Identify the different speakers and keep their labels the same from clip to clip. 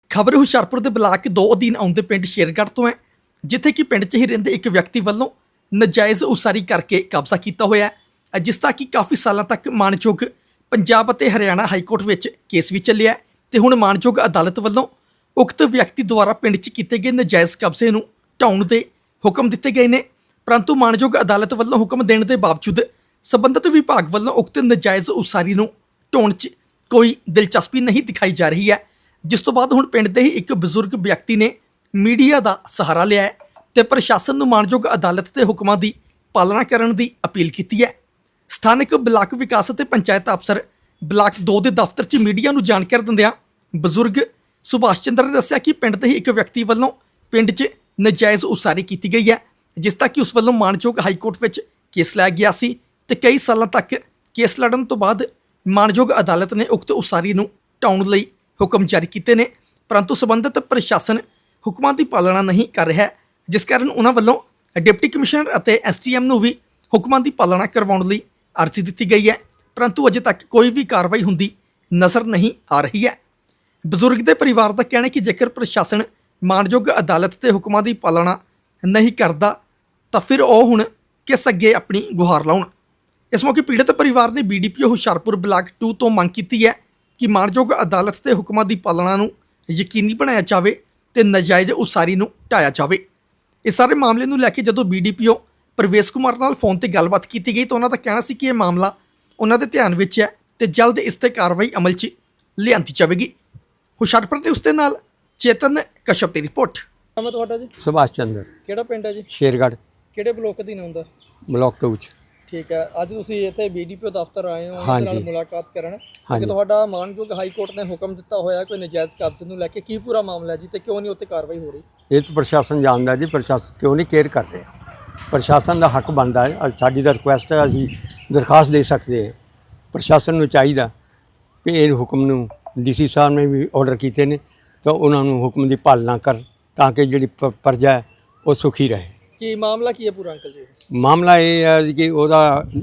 Speaker 1: ਖਬਰ ਹੁਸ਼ਿਆਰਪੁਰ ਦੇ ਬਲਾਕ 2 ਅਧੀਨ ਆਉਂਦੇ ਪਿੰਡ ਸ਼ੇਰਗੜ੍ਹ ਤੋਂ ਹੈ, ਜਿੱਥੇ ਕਿ ਪਿੰਡ 'ਚ ਹੀ ਰਹਿੰਦੇ ਇੱਕ ਵਿਅਕਤੀ ਵੱਲੋਂ ਨਜਾਇਜ਼ ਉਸਾਰੀ ਕਰਕੇ ਕਬਜ਼ਾ ਕੀਤਾ ਹੋਇਆ ਹੈ, ਜਿਸ ਦਾ ਕਿ ਕਾਫੀ ਸਾਲਾਂ ਤੱਕ ਮਾਣਯੋਗ ਪੰਜਾਬ ਅਤੇ ਹਰਿਆਣਾ ਹਾਈ ਕੋਰਟ ਵਿੱਚ ਕੇਸ ਵੀ ਚੱਲਿਆ ਹੈ ਤੇ ਹੁਣ ਮਾਣਯੋਗ ਅਦਾਲਤ ਵੱਲੋਂ ਉਕਤ ਵਿਅਕਤੀ ਦੁਆਰਾ ਪਿੰਡ 'ਚ ਕੀਤੇ ਗਏ ਨਜਾਇਜ਼ ਕਬਜ਼ੇ ਨੂੰ ਢਾਉਣ ਦੇ ਹੁਕਮ ਦਿੱਤੇ ਗਏ ਨੇ। ਪਰੰਤੂ ਮਾਣਯੋਗ ਅਦਾਲਤ ਵੱਲੋਂ ਹੁਕਮ ਦੇਣ ਦੇ ਬਾਵਜੂਦ ਸੰਬੰਧਿਤ ਵਿਭਾਗ ਵੱਲੋਂ ਉਕਤ ਨਜਾਇਜ਼ ਉਸਾਰੀ ਨੂੰ ਢਾਉਣ 'ਚ ਕੋਈ ਦਿਲਚਸਪੀ ਨਹੀਂ ਦਿਖਾਈ ਜਾ ਰਹੀ ਹੈ, ਜਿਸ ਤੋਂ ਬਾਅਦ ਹੁਣ ਪਿੰਡ ਦੇ ਹੀ ਇੱਕ ਬਜ਼ੁਰਗ ਵਿਅਕਤੀ ਨੇ ਮੀਡੀਆ ਦਾ ਸਹਾਰਾ ਲਿਆ ਹੈ ਤੇ ਪ੍ਰਸ਼ਾਸਨ ਨੂੰ ਮਾਣਯੋਗ ਅਦਾਲਤ ਦੇ ਹੁਕਮਾਂ ਦੀ ਪਾਲਣਾ ਕਰਨ ਦੀ ਅਪੀਲ ਕੀਤੀ ਹੈ। ਸਥਾਨਕ ਬਲਾਕ ਵਿਕਾਸ ਅਤੇ ਪੰਚਾਇਤ ਅਫਸਰ ਬਲਾਕ 2 ਦੇ ਦਫ਼ਤਰ 'ਚ ਮੀਡੀਆ ਨੂੰ ਜਾਣਕਾਰੀ ਦਿੰਦਿਆਂ ਬਜ਼ੁਰਗ ਸੁਭਾਸ਼ ਚੰਦਰ ਨੇ ਦੱਸਿਆ ਕਿ ਪਿੰਡ ਦੇ ਹੀ ਇੱਕ ਵਿਅਕਤੀ ਵੱਲੋਂ ਪਿੰਡ 'ਚ ਨਜਾਇਜ਼ ਉਸਾਰੀ ਕੀਤੀ ਗਈ ਹੈ, ਜਿਸ ਦਾ ਕਿ ਉਸ ਵੱਲੋਂ ਮਾਣਯੋਗ ਹਾਈ ਕੋਰਟ ਵਿੱਚ ਕੇਸ ਲਾਇਆ ਗਿਆ ਸੀ ਤੇ ਕਈ ਸਾਲਾਂ ਤੱਕ ਕੇਸ ਲੜਨ ਤੋਂ ਬਾਅਦ ਮਾਣਯੋਗ ਅਦਾਲਤ ਨੇ ਉਕਤ ਉਸਾਰੀ ਨੂੰ ਢਾਉਣ ਲਈ ਹੁਕਮ ਜਾਰੀ ਕੀਤੇ ਨੇ, ਪਰੰਤੂ ਸੰਬੰਧਿਤ ਪ੍ਰਸ਼ਾਸਨ ਹੁਕਮਾਂ ਦੀ ਪਾਲਣਾ ਨਹੀਂ ਕਰ ਰਿਹਾ ਹੈ, ਜਿਸ ਕਾਰਨ ਉਹਨਾਂ ਵੱਲੋਂ ਡਿਪਟੀ ਕਮਿਸ਼ਨਰ ਅਤੇ ਐਸਟੀਐਮ ਨੂੰ ਵੀ ਹੁਕਮਾਂ ਦੀ ਪਾਲਣਾ ਕਰਵਾਉਣ ਲਈ ਅਰਜ਼ੀ ਦਿੱਤੀ ਗਈ ਹੈ, ਪਰੰਤੂ ਅਜੇ ਤੱਕ ਕੋਈ ਵੀ ਕਾਰਵਾਈ ਹੁੰਦੀ ਨਜ਼ਰ ਨਹੀਂ ਆ ਰਹੀ ਹੈ। ਬਜ਼ੁਰਗ ਦੇ ਪਰਿਵਾਰ ਦਾ ਕਹਿਣਾ ਹੈ ਕਿ ਜੇਕਰ ਪ੍ਰਸ਼ਾਸਨ ਮਾਣਯੋਗ ਅਦਾਲਤ ਦੇ ਹੁਕਮਾਂ ਦੀ ਪਾਲਣਾ ਨਹੀਂ ਕਰਦਾ ਤਾਂ ਫਿਰ ਉਹ ਹੁਣ ਕਿਸ ਅੱਗੇ ਆਪਣੀ ਗੁਹਾਰ ਲਾਉਣ। ਇਸ ਮੌਕੇ ਪੀੜਤ ਪਰਿਵਾਰ ਨੇ ਬੀਡੀਪੀਓ ਹੁਸ਼ਿਆਰਪੁਰ ਬਲਾਕ 2 ਤੋਂ ਮੰਗ ਕੀਤੀ ਹੈ ਕਿ ਮਾਣਯੋਗ ਅਦਾਲਤ ਦੇ ਹੁਕਮਾਂ ਦੀ ਪਾਲਣਾ ਨੂੰ ਯਕੀਨੀ ਬਣਾਇਆ ਜਾਵੇ ਤੇ ਨਜਾਇਜ਼ ਉਸਾਰੀ ਨੂੰ ਢਾਇਆ ਜਾਵੇ। ਇਸ ਸਾਰੇ ਮਾਮਲੇ ਨੂੰ ਲੈ ਕੇ ਜਦੋਂ ਬੀਡੀਪੀਓ ਪ੍ਰਵੇਸ਼ ਕੁਮਾਰ ਨਾਲ ਫੋਨ ਤੇ ਗੱਲਬਾਤ ਕੀਤੀ ਗਈ ਤਾਂ ਉਹਨਾਂ ਦਾ ਕਹਿਣਾ ਸੀ ਕਿ ਇਹ ਮਾਮਲਾ ਉਹਨਾਂ ਦੇ ਧਿਆਨ ਵਿੱਚ ਹੈ ਤੇ ਜਲਦ ਇਸ ਤੇ ਕਾਰਵਾਈ ਅਮਲ 'ਚ ਲਿਆਂਦੀ ਜਾਵੇਗੀ। ਹੁਸ਼ਿਆਰਪੁਰ ਦੇ ਉਸ ਦੇ ਨਾਲ ਚੇਤਨ ਕਸ਼ਪ ਦੀ ਰਿਪੋਰਟ।
Speaker 2: ਨਾਮ ਤੁਹਾਡਾ ਜੀ?
Speaker 3: ਸੁਭਾਸ਼ ਚੰਦਰ,
Speaker 2: ਕਿਹੜਾ ਪਿੰਡ ਹੈ ਜੀ?
Speaker 3: ਸ਼ੇਰਗੜ੍ਹ,
Speaker 2: ਕਿਹੜੇ ਬਲਾਕ ਅਧੀਨ ਆਉਂਦਾ?
Speaker 3: ਬਲਾਕ 2 ਚ।
Speaker 2: ਠੀਕ ਹੈ, ਅੱਜ ਤੁਸੀਂ ਇੱਥੇ ਬੀਡੀਪੀਓ ਦਫ਼ਤਰ ਆਏ ਹੋ
Speaker 3: ਹਾਂਜੀ।
Speaker 2: ਉਹਨਾਂ ਨਾਲ ਮੁਲਾਕਾਤ ਕਰਨ ਕਿ
Speaker 3: ਹਾਂਜੀ।
Speaker 2: ਤੁਹਾਡਾ ਮਾਣਯੋਗ ਹਾਈ ਕੋਰਟ ਨੇ ਹੁਕਮ ਦਿੱਤਾ ਹੋਇਆ ਕੋਈ ਨਜਾਇਜ਼ ਕਬਜ਼ੇ ਨੂੰ ਲੈ ਕੇ, ਕੀ ਪੂਰਾ ਮਾਮਲਾ ਹੈ ਜੀ ਤੇ ਕਿਉਂ ਨਹੀਂ ਉੱਤੇ ਕਾਰਵਾਈ ਹੋ ਰਹੀ?
Speaker 3: ਇਹ ਤਾਂ ਪ੍ਰਸ਼ਾਸਨ ਜਾਣਦਾ ਜੀ, ਪ੍ਰਸ਼ਾਸਨ ਕਿਉਂ ਨਹੀਂ ਕੇਅਰ ਕਰ ਰਿਹਾ। ਪ੍ਰਸ਼ਾਸਨ ਦਾ ਹੱਕ ਬਣਦਾ ਹੈ, ਸਾਡੀ ਤਾਂ ਰਿਕੁਐਸਟ ਹੈ, ਅਸੀਂ ਦਰਖਾਸਤ ਦੇ ਸਕਦੇ ਹਾਂ। ਪ੍ਰਸ਼ਾਸਨ ਨੂੰ ਚਾਹੀਦਾ ਵੀ ਇਹ ਹੁਕਮ ਨੂੰ ਡੀਸੀ ਸਾਹਿਬ ਨੇ ਵੀ ਆਰਡਰ ਕੀਤੇ ਨੇ ਤਾਂ ਉਹਨਾਂ ਨੂੰ ਹੁਕਮ ਦੀ ਪਾਲਣਾ ਕਰ ਤਾਂ ਕਿ ਜਿਹੜੀ ਪ੍ਰਜਾ ਹੈ ਉਹ ਸੁਖੀ ਰਹੇ।
Speaker 2: ਕੀ ਮਾਮਲਾ ਕੀ ਹੈ ਪੂਰਾ ਅੰਕਲ ਜੀ?
Speaker 3: ਮਾਮਲਾ ਇਹ ਹੈ ਕਿ ਉਹਦਾ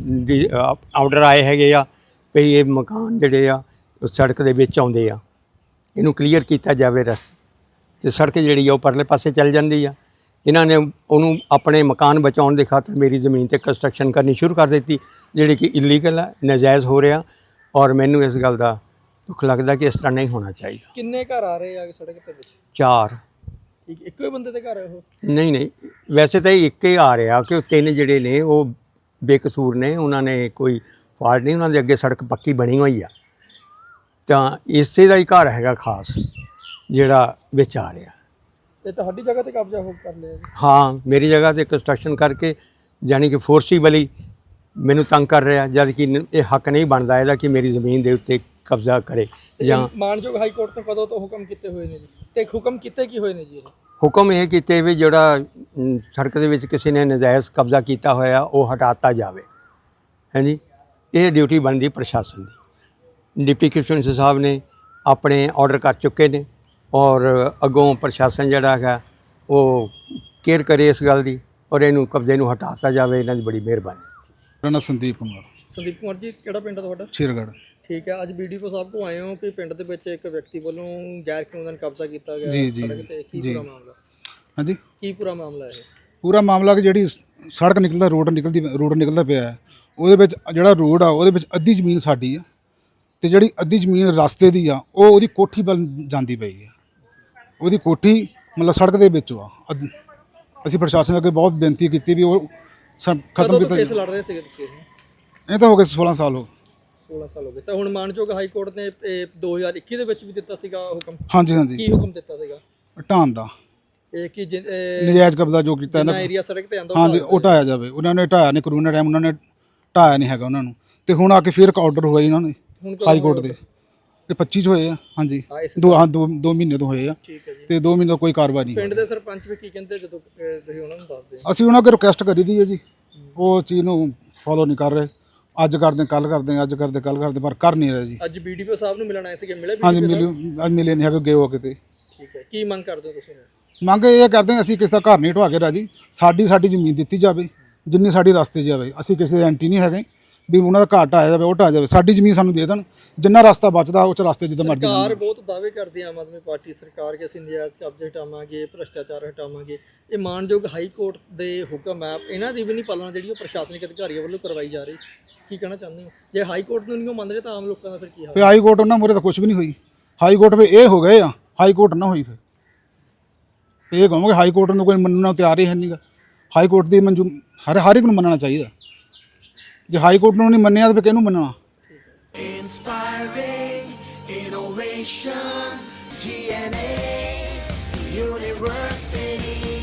Speaker 3: ਆਰਡਰ ਆਏ ਹੈਗੇ ਆ ਵੀ ਇਹ ਮਕਾਨ ਜਿਹੜੇ ਆ ਉਹ ਸੜਕ ਦੇ ਵਿੱਚ ਆਉਂਦੇ ਆ, ਇਹਨੂੰ ਕਲੀਅਰ ਕੀਤਾ ਜਾਵੇ ਰਸਤਾ, ਤੇ ਸੜਕ ਜਿਹੜੀ ਆ ਉਹ ਪਰਲੇ ਪਾਸੇ ਚੱਲ ਜਾਂਦੀ ਆ। ਇਹਨਾਂ ਨੇ ਉਹਨੂੰ ਆਪਣੇ ਮਕਾਨ ਬਚਾਉਣ ਦੇ ਖਾਤਰ ਮੇਰੀ ਜ਼ਮੀਨ ਤੇ ਕੰਸਟਰਕਸ਼ਨ ਕਰਨੀ ਸ਼ੁਰੂ ਕਰ ਦਿੱਤੀ, ਜਿਹੜੀ ਕਿ ਇਲੀਗਲ ਹੈ, ਨਾਜਾਇਜ਼ ਹੋ ਰਿਹਾ, ਔਰ ਮੈਨੂੰ ਇਸ ਗੱਲ ਦਾ ਦੁੱਖ ਲੱਗਦਾ ਕਿ ਇਸ ਤਰ੍ਹਾਂ ਨਹੀਂ ਹੋਣਾ ਚਾਹੀਦਾ।
Speaker 2: ਕਿੰਨੇ ਘਰ ਆ ਰਹੇ ਆ ਸੜਕ ਦੇ ਵਿੱਚ?
Speaker 3: 4।
Speaker 2: ਠੀਕ, ਇੱਕੋ ਹੀ ਬੰਦੇ ਦੇ ਘਰ ਹੈ ਉਹ?
Speaker 3: ਨਹੀਂ, ਵੈਸੇ ਤਾਂ ਇੱਕ ਹੀ ਆ ਰਿਹਾ ਕਿ 3 ਜਿਹੜੇ ਨੇ ਉਹ ਬੇਕਸੂਰ ਨੇ, ਉਹਨਾਂ ਨੇ ਕੋਈ ਫਾਲਟ ਨਹੀਂ, ਉਹਨਾਂ ਦੇ ਅੱਗੇ ਸੜਕ ਪੱਕੀ ਬਣੀ ਹੋਈ ਆ, ਤਾਂ ਇਸੇ ਦਾ ਹੀ ਘਰ ਹੈਗਾ ਖਾਸ ਜਿਹੜਾ ਵਿੱਚ ਆ ਰਿਹਾ।
Speaker 2: ਤੇ ਤੁਹਾਡੀ ਜਗ੍ਹਾ ਤੇ ਕਬਜ਼ਾ ਹੋ ਕਰ ਲਿਆ ਜੀ?
Speaker 3: ਹਾਂ, ਮੇਰੀ ਜਗ੍ਹਾ ਤੇ ਕੰਸਟਰਕਸ਼ਨ ਕਰਕੇ ਯਾਨੀ ਕਿ ਫੋਰਸੀਬਲੀ ਮੈਨੂੰ ਤੰਗ ਕਰ ਰਿਹਾ, ਜਦ ਕਿ ਇਹ ਹੱਕ ਨਹੀਂ ਬਣਦਾ ਇਹਦਾ ਕਿ ਮੇਰੀ ਜ਼ਮੀਨ ਦੇ ਉੱਤੇ ਕਬਜ਼ਾ ਕਰੇ। ਜਾਂ
Speaker 2: ਮਾਣਯੋਗ ਹਾਈ ਕੋਰਟ ਨੇ ਕਦੋਂ ਤੋਂ ਹੁਕਮ ਕੀਤੇ ਹੋਏ ਨੇ ਜੀ ਤੇ ਹੁਕਮ ਕੀਤੇ ਕੀ ਹੋਏ ਨੇ ਜੀ?
Speaker 3: ਹੁਕਮ ਇਹ ਕੀਤੇ ਵੀ ਜਿਹੜਾ ਸੜਕ ਦੇ ਵਿੱਚ ਕਿਸੇ ਨੇ ਨਜਾਇਜ਼ ਕਬਜ਼ਾ ਕੀਤਾ ਹੋਇਆ ਉਹ ਹਟਾਤਾ ਜਾਵੇ। ਹਾਂਜੀ, ਇਹ ਡਿਊਟੀ ਬਣਦੀ ਪ੍ਰਸ਼ਾਸਨ ਦੀ। ਡਿਪਟੀ ਕਮਿਸ਼ਨਰ ਸਾਹਿਬ ਨੇ ਆਪਣੇ ਆਰਡਰ ਕਰ ਚੁੱਕੇ ਨੇ ਔਰ ਅੱਗੋਂ ਪ੍ਰਸ਼ਾਸਨ ਜਿਹੜਾ ਹੈਗਾ ਉਹ ਕੇਅਰ ਕਰੇ ਇਸ ਗੱਲ ਦੀ ਔਰ ਇਹਨੂੰ ਕਬਜ਼ੇ ਨੂੰ ਹਟਾਤਾ ਜਾਵੇ। ਇਹਨਾਂ ਦੀ ਬੜੀ ਮਿਹਰਬਾਨੀ।
Speaker 4: ਮੇਰਾ ਨਾਮ ਸੰਦੀਪ ਕੁਮਾਰ।
Speaker 2: ਸੰਦੀਪ ਕੁਮਾਰ ਜੀ, ਕਿਹੜਾ ਪਿੰਡ ਹੈ ਤੁਹਾਡਾ?
Speaker 4: ਸ਼ੇਰਗੜ੍ਹ।
Speaker 2: ਠੀਕ ਹੈ, ਅੱਜ ਬੀਡੀਪੀਓ ਸਾਹਿਬ ਕੋਲ ਆਏ ਹੋ ਕਿ ਪਿੰਡ ਦੇ ਵਿੱਚ ਇੱਕ ਵਿਅਕਤੀ ਵੱਲੋਂ ਗੈਰ ਕਾਨੂੰਨ ਕਬਜ਼ਾ ਕੀਤਾ ਗਿਆ
Speaker 4: ਜੀ
Speaker 2: ਸੜਕ ਤੇ, ਕੀ ਪੂਰਾ ਮਾਮਲਾ?
Speaker 4: ਹਾਂਜੀ,
Speaker 2: ਕੀ ਪੂਰਾ ਮਾਮਲਾ ਹੈ?
Speaker 4: ਪੂਰਾ ਮਾਮਲਾ ਕਿ ਜਿਹੜੀ ਸੜਕ ਨਿਕਲਦਾ ਰੋਡ ਨਿਕਲਦਾ ਪਿਆ ਹੈ, ਉਹਦੇ ਵਿੱਚ ਜਿਹੜਾ ਰੋਡ ਆ ਉਹਦੇ ਵਿੱਚ ਅੱਧੀ ਜ਼ਮੀਨ ਸਾਡੀ ਆ ਤੇ ਜਿਹੜੀ ਅੱਧੀ ਜ਼ਮੀਨ ਰਸਤੇ ਦੀ ਆ ਉਹ ਉਹਦੀ ਕੋਠੀ ਵੱਲ ਜਾਂਦੀ ਪਈ ਆ। ਉਹਦੀ ਕੋਠੀ ਮਤਲਬ ਸੜਕ ਦੇ ਵਿੱਚ ਆ। ਅਸੀਂ ਪ੍ਰਸ਼ਾਸਨ ਅੱਗੇ ਬਹੁਤ ਬੇਨਤੀ ਕੀਤੀ ਵੀ ਉਹ ਖਤਮ ਕੀਤਾ।
Speaker 2: ਕੇਸ ਲੜ ਰਹੇ ਸੀਗੇ ਤੁਸੀਂ?
Speaker 4: ਇਹ ਤਾਂ ਹੋ ਗਏ 16 ਸਾਲ ਹੋ
Speaker 2: 16 ਸਾਲ ਹੋ ਗਏ। ਤਾਂ ਹੁਣ ਮਾਣਯੋਗ ਹਾਈ ਕੋਰਟ ਨੇ 2021 ਦੇ ਵਿੱਚ ਵੀ ਦਿੱਤਾ ਸੀਗਾ ਹੁਕਮ?
Speaker 4: ਹਾਂਜੀ।
Speaker 2: ਕੀ ਹੁਕਮ ਦਿੱਤਾ ਸੀਗਾ?
Speaker 4: ਢਾਣ ਦਾ।
Speaker 2: ਇਹ ਕਿ
Speaker 4: ਨਜਾਇਜ਼ ਕਬਜ਼ਾ ਜੋ ਕੀਤਾ
Speaker 2: ਇਹਨਾਂ ਏਰੀਆ ਸੜਕ ਤੇ ਆਂਦਾ
Speaker 4: ਹਾਂਜੀ ਉਹ ਢਾਇਆ ਜਾਵੇ। ਉਹਨਾਂ ਨੇ ਢਾਇਆ ਨਹੀਂ, ਕਰੋਨਾ ਟਾਈਮ ਉਹਨਾਂ ਨੇ ਢਾਇਆ ਨਹੀਂ ਹੈਗਾ ਉਹਨਾਂ ਨੂੰ, ਤੇ ਹੁਣ ਆ ਕੇ ਫਿਰ ਇੱਕ ਆਰਡਰ ਹੋਇਆ ਇਹਨਾਂ ਨੇ ਹਾਈ ਕੋਰਟ ਦੇ ਤੇ 25 ਚ ਹੋਏ ਆ। ਹਾਂਜੀ, 2 ਮਹੀਨੇ ਤੋਂ ਹੋਏ ਆ ਤੇ 2 ਮਹੀਨੇ ਤੋਂ ਕੋਈ ਕਾਰਵਾਈ ਨਹੀਂ।
Speaker 2: ਪਿੰਡ ਦੇ ਸਰਪੰਚ ਵੀ ਕੀ ਕਹਿੰਦੇ ਜਦੋਂ ਤੁਸੀਂ ਉਹਨਾਂ ਨੂੰ ਦੱਸਦੇ?
Speaker 4: ਅਸੀਂ ਉਹਨਾਂ ਅੱਗੇ ਰਿਕੁਐਸਟ ਕਰੀ ਦੀ ਹੈ ਜੀ, ਉਹ ਚੀਜ਼ ਨੂੰ ਫੋਲੋ ਨਹੀਂ ਕਰ ਰਹੇ। ਅੱਜ ਕਰਦੇ ਕੱਲ ਕਰਦੇ, ਅੱਜ ਕਰਦੇ ਕੱਲ ਕਰਦੇ, ਪਰ ਕਰ ਨਹੀਂ ਰਹੇ ਜੀ।
Speaker 2: ਅੱਜ ਬੀਡੀਪੀਓ ਸਾਹਿਬ ਨੂੰ ਮਿਲਣ ਆਏ ਸੀਗੇ, ਮਿਲੇ?
Speaker 4: ਹਾਂਜੀ, ਅੱਜ ਮਿਲੇ ਨਹੀਂ ਹੈਗੇ, ਗਏ ਹੋ ਕਿਤੇ।
Speaker 2: ਠੀਕ ਹੈ, ਕੀ ਮੰਗ ਕਰਦੇ ਹੋ ਤੁਸੀਂ?
Speaker 4: ਮੰਗ ਇਹ ਕਰਦੇ ਹਾਂ ਅਸੀਂ ਕਿਸੇ ਦਾ ਘਰ ਨਹੀਂ ਢਵਾ ਕੇ ਰਾਜੀ, ਸਾਡੀ ਜ਼ਮੀਨ ਦਿੱਤੀ ਜਾਵੇ ਜਿੰਨੀ ਸਾਡੀ ਰਸਤੇ ਜਾਵੇ। ਅਸੀਂ ਕਿਸੇ ਦੇ ਐਂਟੀ ਨਹੀਂ ਹੈਗੇ, ਵੀ ਉਹਨਾਂ ਦਾ ਘਰ ਢਾਇਆ ਜਾਵੇ, ਉਹ ਢਾਇਆ ਜਾਵੇ। ਸਾਡੀ ਜ਼ਮੀਨ ਸਾਨੂੰ ਦੇ ਦੇਣ, ਜਿੰਨਾ ਰਸਤਾ ਬਚਦਾ ਉਹ 'ਚ ਰਸਤੇ ਜਿੱਦਾਂ ਮਰਜ਼ੀ
Speaker 2: ਸਰਕਾਰ
Speaker 4: ਜਾਣ।
Speaker 2: ਬਹੁਤ ਦਾਅਵੇ ਕਰਦੀ ਹੈ ਆਮ ਆਦਮੀ ਪਾਰਟੀ ਸਰਕਾਰ ਕਿ ਅਸੀਂ ਨਜਾਇਜ਼ ਕਬਜ਼ੇ ਹਟਾਵਾਂਗੇ, ਭ੍ਰਿਸ਼ਟਾਚਾਰ ਹਟਾਵਾਂਗੇ। ਇਹ ਮਾਨਯੋਗ ਹਾਈ ਕੋਰਟ ਦੇ ਹੁਕਮ ਹੈ, ਇਹਨਾਂ ਦੀ ਵੀ ਨਹੀਂ ਪਾਲਣਾ ਜਿਹੜੀ ਉਹ ਪ੍ਰਸ਼ਾਸਨਿਕ ਅਧਿਕਾਰੀਆਂ ਵੱਲੋਂ ਕਰਵਾਈ ਜਾ ਰਹੀ। ਕੀ ਕਹਿਣਾ ਚਾਹੁੰਦੇ ਹੋ? ਜੇ ਹਾਈ ਕੋਰਟ ਨੂੰ ਨਹੀਂ ਉਹ ਮੰਨ ਰਹੇ ਤਾਂ ਆਮ ਲੋਕਾਂ ਦਾ ਫਿਰ ਕੀ ਹਾਲ?
Speaker 4: ਫਿਰ ਹਾਈ ਕੋਰਟ ਉਹਨਾਂ ਮੂਹਰੇ ਤਾਂ ਕੁਝ ਵੀ ਨਹੀਂ ਹੋਈ। ਹਾਈ ਕੋਰਟ ਵੀ ਇਹ ਹੋ ਗਏ ਆ, ਹਾਈ ਕੋਰਟ ਨਾ ਹੋਈ। ਫਿਰ ਇਹ ਕਹੋਗੇ ਹਾਈ ਕੋਰਟ ਨੂੰ ਕੋਈ ਮੰਨਣ ਨੂੰ ਤਿਆਰ ਹੀ ਹੈ ਨਹੀਂਗਾ। ਹਾਈ ਕੋਰਟ ਦੀ ਮਨਜ਼ੂਰ ਹਰ ਇੱਕ ਨੂੰ ਮੰਨਣਾ ਚਾਹੀਦਾ। ਜੇ ਹਾਈ ਕੋਰਟ ਨੂੰ ਨਹੀਂ ਮੰਨਿਆ ਤਾਂ ਫਿਰ ਕਿਹਨੂੰ ਮੰਨਣਾ?
Speaker 5: Inspiring innovation, GNA University.